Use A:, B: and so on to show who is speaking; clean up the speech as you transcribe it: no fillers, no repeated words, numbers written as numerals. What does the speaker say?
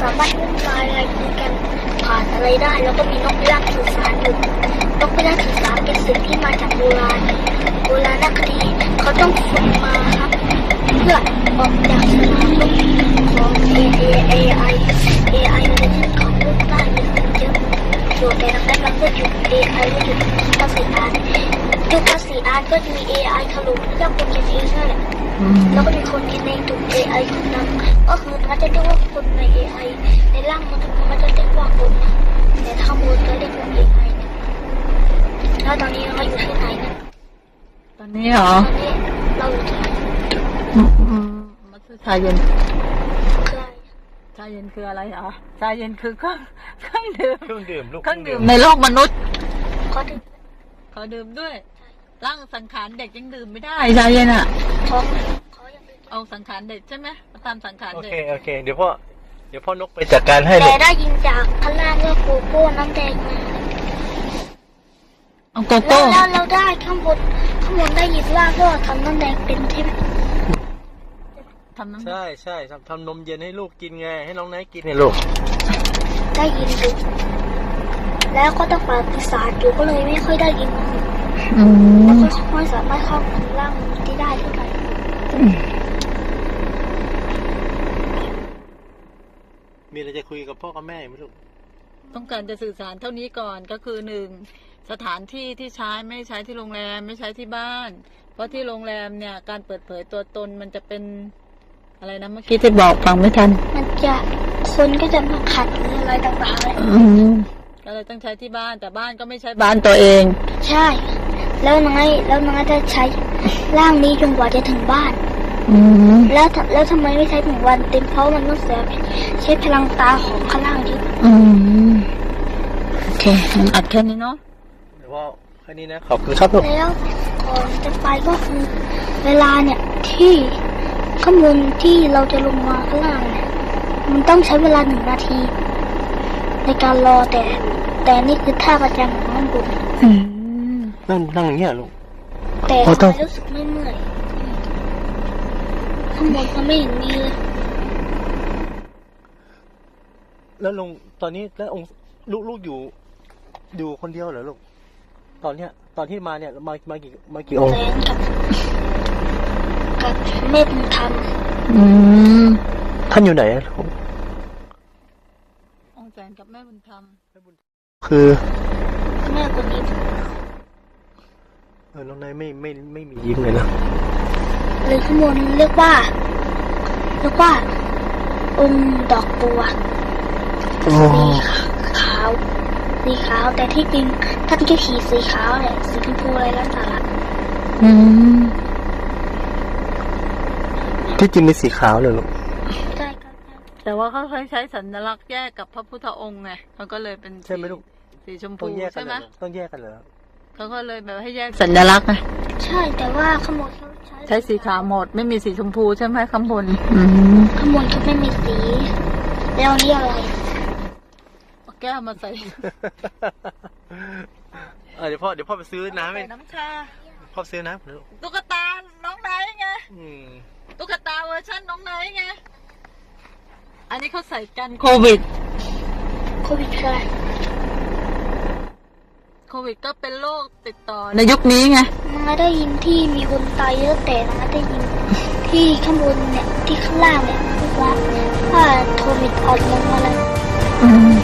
A: สามารถพูดอะไรคุยกันผ่านอะไรได้แล้วก็มีนกพิราบสื่อสารอยู่นกพิราบสื่อสารเป็นสิ่งที่มาจากโบราณคดีเขาต้องฝึกมาครับเพื่อออกจากสนามรบของ AI มันจะยึดของลูกได้เยอะอยู่แต่ดังนั้นมันก็หยุด AI ไม่หยุดภาษีอาร์ยุคภาษีอาร์ก็จะมี AI ถล่มแล้วคนเขียนเองนั่นแหละแล้วก็มีคนในถูก AI ถูกนำก็คือมันจะเรียกว่าคนใน AI ในร่างมันจะเรียกว่าคนนะแต่ถ้ามูลจะเรียกว่า AI เนี่ยแล้วตอนนี้เราอยู่ที่ไหนเนี่ย
B: ตอนนี้เหรอ
A: ตอนนี้เราอยู่ที่ไหน
B: มาซื้อชาเย็น
A: คืออะไร
B: ชาเย็นคืออะไรเหรอชาเย็นคือเครื่องดื่ม
C: ลูก
B: เครื่องดื่มในโลกมนุษย์
A: ขอ
B: ดื่มด้วยร่างสังขารเด็กยังดื่มไม่ได้ชาเย็นอ่ะเอาสังขารเด็กใช่ไหมตามสังขารเด็ก
C: โอเคเดี๋ยวพ่อนกไปจัดการให้
A: แต่ได้ยินจากข้างล่างว่าโกโก้น้ำแดงมา
B: เอาโกโก้
A: แล้วเราได้ข้างบนได้ยินว่าก็ทำน้ำแดงเป็นใช่ไหม
C: ใช่ทำนมเย็นให้ลูกกินไงให้น้องไนท์กินให้ลูก
A: ได้ยินดูแล้วก็ต้องฝ่าปีศาจอยู่ก็เลยไม่ค่อยได้ยินแล้วก็ไม่สามารถเข้าถึงร่างที่ได้เท่าไหร่
C: มีอะไรจะคุยกับพ่อกับแม่ไหมลูก
B: ต้องการจะสื่อสารเท่านี้ก่อนก็คือ1สถานที่ที่ใช้ไม่ใช้ที่โรงแรมไม่ใช้ที่บ้านเพราะที่โรงแรมเนี่ยการเปิดเผยตัวตนมันจะเป็นอะไรนะเมื่อกี้ที่บอกฟังไม่ทัน
A: มันจะคนก็จะมาขัดอะไรต่างๆเลย
B: ก็เลยต้องใช้ที่บ้านแต่บ้านก็ไม่ใช่บ้านตัวเอง
A: ใช่แล้วน้องจะใช้ร่างนี้จนกว่าจะถึงบ้านแล้วทำไมไม่ใช้ถึงวันเต็มเพราะมันต้องใช้พลังตาของข้างล่างที่
B: โอเคอัดแค่นี้เนาะ
C: เดี๋ยวว่าแค่นี้นะขอบคุณครับลูก
A: แล้วก่อนจะไปก็คือเวลาเนี่ยที่ข้างบนที่เราจะลงมาข้างล่างเนี่ยมันต้องใช้เวลา1 นาทีในการรอแต่นี่คือท่าประจำของข้างบน
C: นั่งอย่างเงี้ยลูก
A: แต่ทำไมรู้สึกไม่เมื่อยข้างบนก็ไม่เห็นมีเลย
C: แล้วลงตอนนี้แล้วองค์ลูกอยู่คนเดียวเหรอลูกตอนที่มาเนี่ยมากี่องค์
A: กับแม่บุญธรรม
C: ท่านอยู่ไหนลูก
B: องค์แสนกับแม่บุญธรรม
C: คือ
A: แม่คนนี้
C: น้องนายไม่มียิ้มเลยนะ
A: หรือข้างบนเรียกว่าองค์ดอกบัวสีขาวแต่ที่จริงท่านก็ขี่สีขาวเนี่ยสีชมพูอะไรแล้วแต่ละ
C: ที่จริงเป็นสีขาวเลยลูก
A: ใช่ครับ
B: แต่ว่าเขาเคยใช้สัญลักษณ์แยกกับพระพุทธองค์ไงเขาก็เลยเป็น
C: ใช่ไหมลูก
B: สีชมพูใช่ไหม
C: ต้องแยกกันเหรอ
B: เขาก็เลยแบบให้แยกสัญลักษณ์ไง
A: ใช่แต่ว่าข้างบนเขา
B: ใช้สีขาวหมดไม่มีสีชมพูใช่ไหมข้างบน
A: ข้างบนเขาไม่มีสีแล้วนี่อะไร
B: แก้วมาใส่
C: เดี๋ยวพ่อไปซื้อน้ำ
B: น้ำชา
C: พ่อซื้อน้ำ
B: ตุ๊กตาน้องไนท์ไงตุ๊กตาเวอร์ชันน้องไนท์ไงอันนี้เขาใส่กันโควิด
A: อะไร
B: โควิดก็เป็นโรคติดต่อในยุคนี้ไง
A: มาได้ยินที่มีคนตายเยอะแต่มาได้ยินที่ข้างบนเนี่ยที่ข้างล่างเนี่ยว่าโควิดออกมาแล้ว